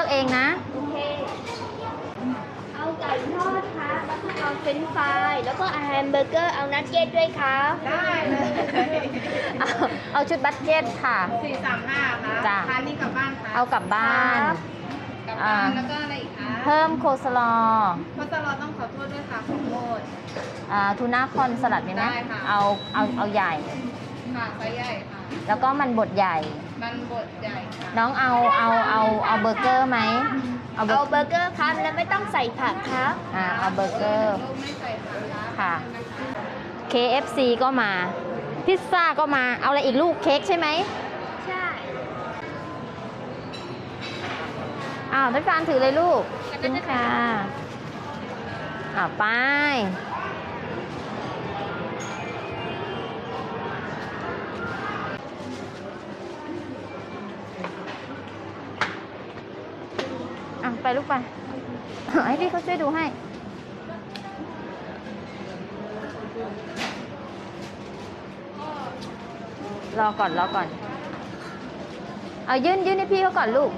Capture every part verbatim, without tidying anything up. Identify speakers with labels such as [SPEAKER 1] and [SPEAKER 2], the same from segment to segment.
[SPEAKER 1] อกเองนะ
[SPEAKER 2] โอเคเอาไก่ทอดครับแล้วก็เอาเฟรนช์ฟรายแล้วก็เอาแฮมเบอร์เกอร์เอานัทเก็ตด้วยครับ
[SPEAKER 3] ได้เลย
[SPEAKER 1] เอาเอาชุดบัตเก็ตค่ะ
[SPEAKER 3] สี่สามห้าค่ะ
[SPEAKER 1] จ้ะ
[SPEAKER 3] ทานนี่กลับบ้านค่ะ
[SPEAKER 1] เอากลับบ้าน
[SPEAKER 3] กลับบ้านแล้วก็อะไรอีกคะ
[SPEAKER 1] เพิ่มโคสลอ
[SPEAKER 3] โคสลอต้องขอโทษด้วยค่ะขอโทษ
[SPEAKER 1] อ่าทูน่าคอนสลัดมีไหม
[SPEAKER 3] ได้ค่ะ
[SPEAKER 1] เอาเอาเอาใหญ่
[SPEAKER 3] ค่ะไซส์ใหญ่ค่ะ
[SPEAKER 1] แล้วก็มันบดใหญ่
[SPEAKER 3] มันบดใหญ่ค่ะ
[SPEAKER 1] น้องเอาเอาเอาเอาเบอร์เกอร์ไหมเอาเบอ
[SPEAKER 2] เอา
[SPEAKER 1] ร์
[SPEAKER 2] เบอร์เกอร์ครับแล้วไม่ต้องใส่ผักครับ
[SPEAKER 1] อ่าเอาเบอร์เกอร์
[SPEAKER 3] ลูกไม่ใส่ผัก
[SPEAKER 1] ค่ะ เค เอฟ ซี ก็มา พิซซ่าก็มา เอาอะไรอีกลูกเค้กใช่ไหม
[SPEAKER 2] ใช่
[SPEAKER 1] อ้าวน้ำตาลถือเลยลูกขอบคุณค่ะอ้าวไปอ่ะไปลูกไป ให้พี่เขาช่วยดูให้ รอก่อนรอก่อน เอายื่นยื่นให้พี่เขาก่อนลูก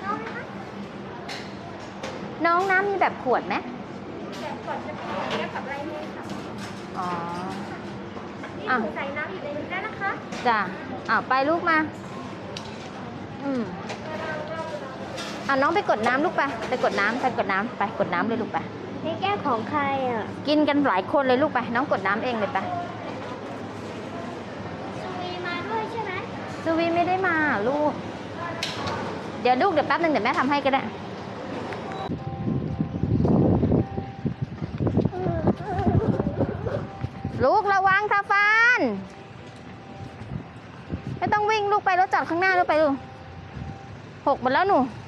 [SPEAKER 1] น้องน้ำมีแบบขวดไหม
[SPEAKER 2] แบบก่อนจะเป็นแก้วกับไรเมย์ค่ะ
[SPEAKER 1] อ๋อ
[SPEAKER 2] นี่
[SPEAKER 1] อ่ะ
[SPEAKER 2] หนูใส่น้ำอยู่ในนี้ได้นะคะ
[SPEAKER 1] จ้ะอ้าวไปลูกมา อืมอ่ะน้องไปกดน้ำลูกไป ไปกดน้ำไปกดน้ำไปกดน้ำเลยลูกไป
[SPEAKER 2] นี่แก้วของใครอ่ะ
[SPEAKER 1] กินกันหลายคนเลยลูกไป น้องกดน้ำเองเลยไป
[SPEAKER 2] ซูวีมาด้วยใช่ไหม
[SPEAKER 1] ซูวีไม่ได้มาลูก เดี๋ยวลูกเดี๋ยวแป๊บนึงเดี๋ยวแม่ทำให้ก็ได้ ลูกระวังค่ะฟานไม่ต้องวิ่งลูกไปรถจอดข้างหน้าลูกไปลูกหกหมดแล้วหนู